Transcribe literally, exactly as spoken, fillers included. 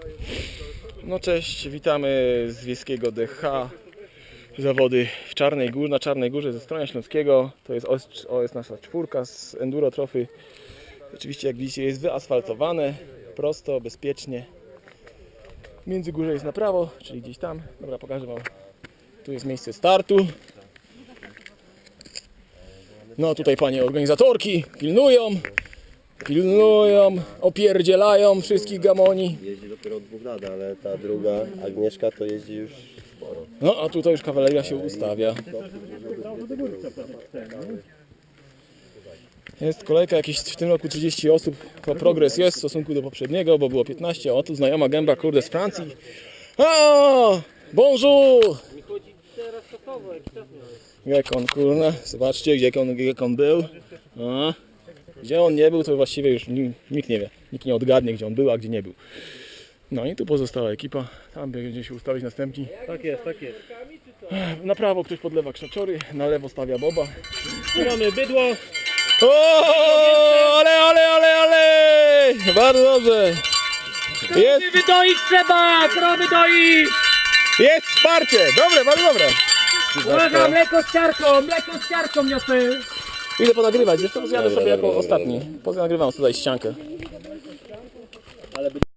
No cześć, witamy z Wiejskiego D H. Zawody w Czarnej Górze, na Czarnej Górze ze Stronia Śląskiego. To jest, to jest nasza czwórka z Enduro Trophy. Oczywiście jak widzicie jest wyasfaltowane, prosto, bezpiecznie. Między górze jest na prawo, czyli gdzieś tam. Dobra, pokażę wam. Tu jest miejsce startu. No tutaj panie organizatorki pilnują. Pilnują, opierdzielają wszystkich gamoni. Jeździ dopiero od dwóch lat, ale ta druga, Agnieszka, to jeździ już sporo. No a tutaj już kawaleria się ustawia. Jest kolejka, jakieś w tym roku trzydzieści osób. Progres jest w stosunku do poprzedniego, bo było piętnaście. O, tu znajoma gęba, kurde, z Francji. O, bonjour! Jak on, kurna, zobaczcie, gdzie on, jak on był. O. Gdzie on nie był, to właściwie już nikt nie wie. Nikt nie odgadnie, gdzie on był, a gdzie nie był. No i tu pozostała ekipa. Tam będzie się ustawić następni. Tak jest, tak jest. Na prawo ktoś podlewa krzaczory, na lewo stawia boba. Tu mamy bydło. O, ale, ale, ale, ale! Bardzo dobrze. Jest, Krowy doić trzeba! Krowy doić! jest wsparcie. Dobre, bardzo dobre. Uwaga, mleko z ciarką! Mleko z ciarką niosę! Idę ponagrywać, zresztą zjadę sobie jako ostatni. Poza nagrywam tutaj ściankę.